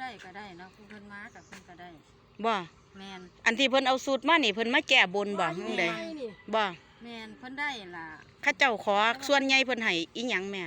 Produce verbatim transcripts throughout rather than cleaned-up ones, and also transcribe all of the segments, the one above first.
ได้ก็ได้เนาะผู้เพิ่นมากับเพิ่นก็ได้บ่แม่นอันที่เพิ่นเอาสูตรมานี่เพิ่นมาแก้บนบ่จังได๋บ่แม่นเพิ่นได้ล่ะข้าเจ้าขอส่วนใหญ่เพิ่นให้อีหยังแม่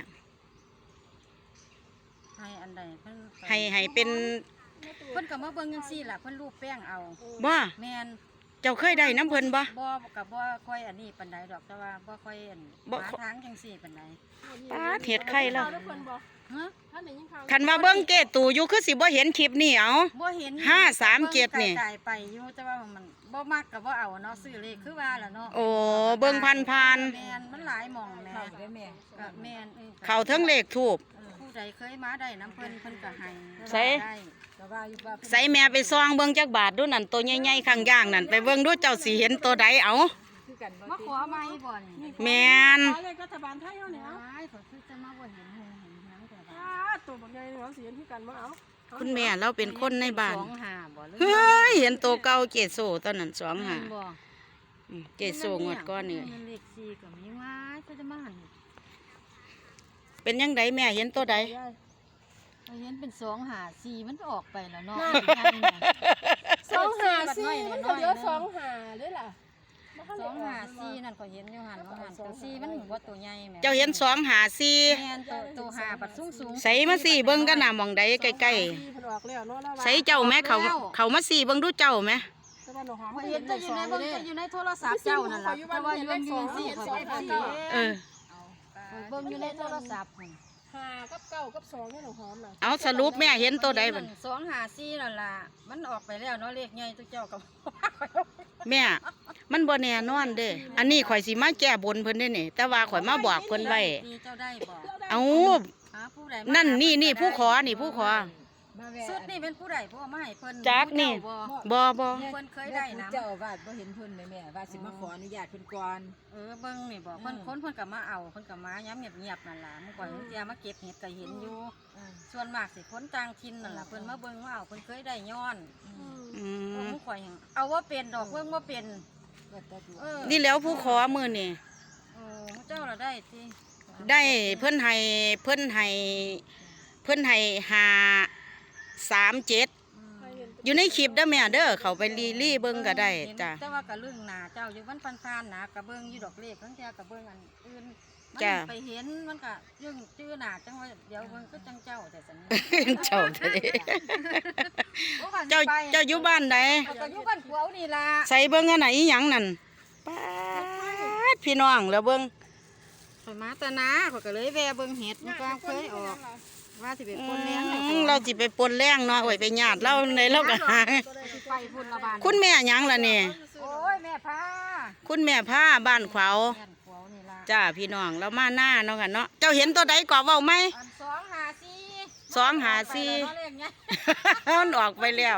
ให้อันใดเพิ่นให้ให้เป็นเพิ่นก็มาเบิ่งจังซี่ล่ะเพิ่นรูปแป้งเอาบ่แม่นเจ้าเคยได้น้ำเพิ่นบ่บ่ก็บ่ค่อยอันนี้ปานใดดอกแต่ว่าบ่ค่อยอันหาทางจังซี่ปานใดปาดเฮ็ดไข่แล้วฮะคันว่าเบิ่งเกตูอยู่คือสิบ่เห็นคลิปนี่เอาบ่เห็นห้าสามเจ็ดนี่ไกลๆไปอยู่แต่ว่ามันบ่มักก็บ่เอาเนาะซื้อเลขคือว่าล่ะเนาะโอ้เบิ่งผ่านแม่นมันหลายหม่องแม่ก็แม่นเข้าถึงเลขทูปผู้ใดเคยมาได้น้ำเพิ่นเพิ่นก็ให้ใส่ใส่แม่ไปซองเบิ่งจักบาทดูนั่นตัวใหญ่ๆข้างย่างนั่นไปเบิ่งดูเจ้าสิเห็นตัวใดเอามาขอใหม่บ่นี่แม่นขอเลขรัฐบาลไทยเฮาเนี่ยเอาอ้ายขอคือจะมาบ่เห็นเห็นหยังแต่ว่าตัวบักใหญ่เนาะสิเห็นคือกันบ่เอาคุณแม่เราเป็นคนในบ้านสองห้าบ่เฮ้ยเห็นตัวเก่าเจโซตอนนั้นสองห้าบ่เจโซงวดก่อนนี่เลขสี่ก็มีว้ายก็จะมาหันเป็นยังไงแม่เห็นตัวใดเห็นเป็นสองห้าสี่มันออกไปแล้วเนาะสองห้าสี่มันก็เหลือสองห้าเด้อล่ะสองห้าสี่นั่นก็เห็นอยู่หันว่าหันตัวสี่มันบ่ตัวใหญ่แม่เจ้าเห็นสองห้าสี่แม่นตัวตัวห้าบัดสูงๆใส่มาสี่เบิ่งกันน่ะมองใดใกล้ๆใส่เจ้าแม่เขาเขามาสี่เบิ่งดูเจ้าแม่เห็นแต่อยู่ในเบิ่งแต่อยู่ในโทรศัพท์เจ้านั่นล่ะแต่ว่าอยู่อยู่สี่ข่อยบ่ได้เออเบิ่งอยู่ในโทรศัพท์ห้ากับเก้ากับสองนี่หนูหอมน่ะเอาสรุปแม่เห็นตัวใดบัดสองห้าสี่นั่นล่ะมันออกไปแล้วเนาะเลขใหญ่ตัวเจ้าก็แม่มันบ่แน่นอนเด้อันนี้ข่อยสิมาแก้บนเพิ่นได้นี่แต่ว่าข่อยมาบอกเพิ่นไว้เจ้าได้บ่เอานั่นนี่นี่ผู้ขอนี่ผู้ขอสุดนี่เป็นผู้ใดผู้เอามาให้เพิ่นจักนี่บ่บ่เพิ่นเคยได้นะเจ้าอาวาสบ่เห็นเพิ่นแม่แม่ว่าสิมาขออนุญาตเพิ่นก่อนเออเบิ่งนี่บ่เพิ่นคนเพิ่นก็มาเอาเพิ่นก็มาย้ำเงียบๆนั่นล่ะเมื่อก่อนเพิ่นจะมาเก็บเห็ดก็เห็นอยู่ส่วนมากสิคนต่างถิ่นนั่นล่ะเพิ่นมาเบิ่งว่าเอาเพิ่นเคยได้ย้อนอืมเมื่อก่อนเอาว่าเป็นดอกเบิ่งว่าเป็นนี่แล้วผู้ขอมื้อนี่เออเจ้าล่ะได้ติได้เพิ่นให้เพิ่นให้เพิ่นให้ห้าสามเจ็ดอยู่ในคลิปเด้อแม่เด้อเขาไปรีรีเบิ่งก็ได้จ้ะแต่ว่าก็เรื่องหน้าเจ้าอยู่มันผ่านๆนะก็เบิ่งอยู่ดอกเลขทั้งเจ้าก็เบิ่งอันอื่นมันไปเห็นมันก็ยึงชื่อหน้าจังว่าเดี๋ยวเบิ่งก็จังเจ้าแต่ซั่นเจ้าเด้เจ้าเจ้าอยู่บ้านใดก็อยู่บ้านขวาวนี่ล่ะใส่เบิ่งอันไหนอีหยังนั่นป๊าดพี่น้องแล้วเบิ่งข่อยมาตะนาข่อยก็เลยแวะเบิ่งเห็ดมันก็เคยออกว่าสิไปปนแรงเราสิไปปนแรงเนาะโอ้ยไปญาติเราในเราก็หาคุณแม่หยังล่ะนี่โอ้ยแม่พาคุณแม่พาบ้านขวาวจ้าพี่น้องเรามาหน้าเนาะค่ะเนาะเจ้าเห็นตัวใดก่อเว้าไหมสองห้าสี่สองห้าสี่มันออกไปแล้ว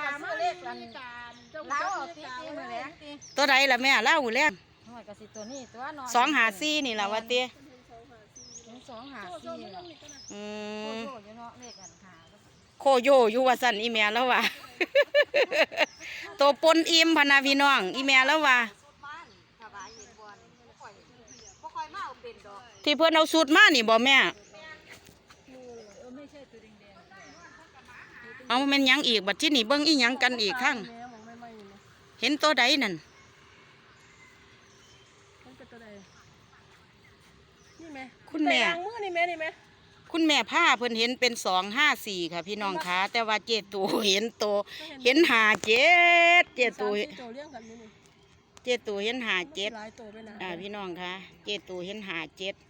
ตัวใดล่ะแม่เล่าแล้วสองห้าสี่นี่ล่ะว่าเตี้ยสองหาสี่อืมโคโยอยู่ว่าสั่นอีแม่แล้วว่าตัวปนอิ่มพนาพี่น้องอีแม่แล้วว่าที่เพื่อนเอาสูตรมานี่บ่แม่เอาแม่นยังอีกบัดที่นี่เบิ้งอีหยังกันอีกทั้งเห็นตัวใดนั่นคุณแม่คุณแม่ผ้าเพิ่นเห็นเป็นสองห้าสี่ค่ะพี่น้องคะแต่ว่าเจตูเห็นโตเห็นหาเจ็ดเจตูเจตูเห็นหาเจ็ดอ่าพี่น้องคะเจตูเห็นหาเจ็ด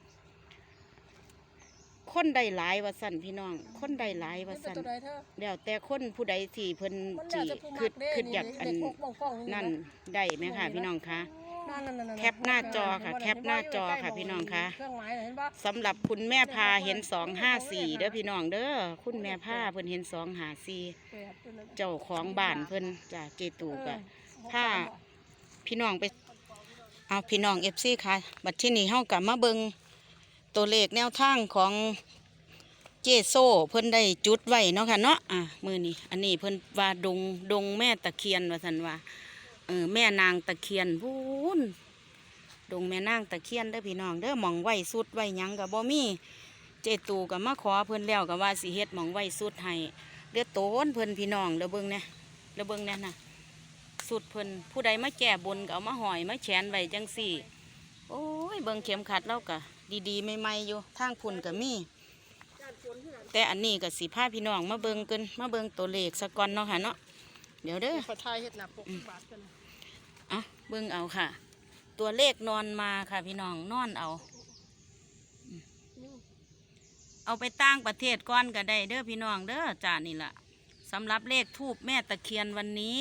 คนใดหลายว่าสั่นพี่น้องคนใดหลายว่าสั่นเดี๋ยวแต่คนผู้ใดที่เพิ่นจีคืดคืดอยากอันนั่นได้ไหมค่ะพี่น้องคะแคปหน้าจอค่ะแคปหน้าจอค่ะพี่น้องคะสำหรับคุณแม่พาเห็นสองห้าสี่เด้อพี่น้องเด้อคุณแม่พาเพิ่นเห็นสองห้าสี่เจ้าของบ้านเพิ่นจากเจตูกะถ้าพี่น้องไปเอาพี่น้องเอฟซีค่ะบัดที่นี่เฮากลับมาเบิงตัวเลขแนวทางของเจโซเพิ่นได้จุดไว้เนาะค่ะเนาะอ่ะมือนี้อันนี้เพิ่นว่าดงดงแม่ตะเคียนว่าสันว่าเออแม่นางตะเคียนพูนดงแม่นางตะเคียนเด้อพี่น้องเด้อหม่องไว้สุดไว้หยังกับบ่มีเจตูกับมาขอเพิ่นแล้วกับว่าสิเฮ็ดหม่องไว้สุดให้เลือดโตนเพิ่นพี่น้องเด้อเบิ่งเนี่ยเด้อเบิ่งเนี่ยน่ะสุดเพิ่นผู้ใดมาแก่บนก็เอามาหอยมาแขวนไว้จังสี่โอ้ยเบิ่งเข็มขัดเราก็ดีๆใหม่ๆอยู่ทางพุ่นก็มีแต่อันนี้ก็สิพาพี่น้องมาเบิ่งกันมาเบิ่งตัวเลขสะก่อนเนาะค่ะเนาะเดี๋ยวเด้อขอทายเฮ็ดหน้าปกบาทกันอ่ะเบิ่งเอาค่ะ ตัวเลขนอนมาค่ะพี่น้องนอนเอาอืมเอาไปต่างประเทศก่อนก็ได้เด้อพี่น้องเด้อจ้านี่ล่ะสำหรับเลขทูบแม่ตะเคียนวันนี้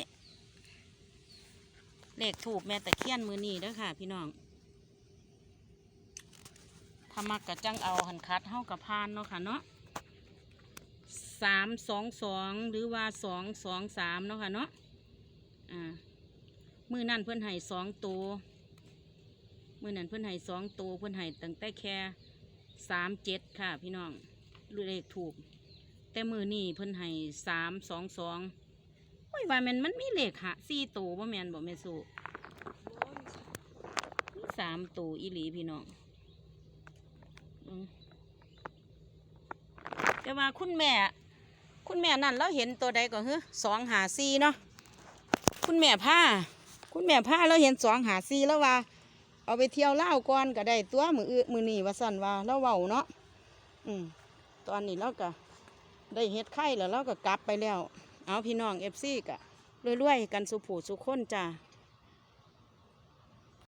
เลขทูบแม่ตะเคียนมือนี้เด้อค่ะ พี่น้องถ้ามักกะจังเอาหันคัดเฮากับพานเนาะค่ะเนาะสามสองสองหรือว่าสองสองสามเนาะค่ะเนาะอ่ามือนั่นเพื่อนให้สองตัวมือนั่นเพื่อนให้สองตัวเพื่อนให้ตั้งแต่แค่สามเจ็ดค่ะพี่น้องเลขถูกแต่มือนี่เพื่อนให้สามสองสองโอ้ยว่ามันมันมีเลขหะสี่ตัวบ่แมนบ่แม่สูมีสามตัวอีหลีพี่น้องอืมแต่ว่าคุณแม่คุณแม่นั่นเราเห็นตัวใดก็คือสองหาสี่เนาะคุณแม่ผ้าคุณแม่ผ้าเราเห็นสองหาสี่แล้วว่าเอาไปเที่ยวเล่าวก่อนก็ได้ตัวมืออื้อมือนี่ว่าสั่นว่าเราเว้าเนาะอืมตอนนี้เราก็ได้เฮ็ดไข่แล้วเราก็กลับไปแล้วเอาพี่น้องเอฟซีก็รวยๆกันสุผูสุคนจ้า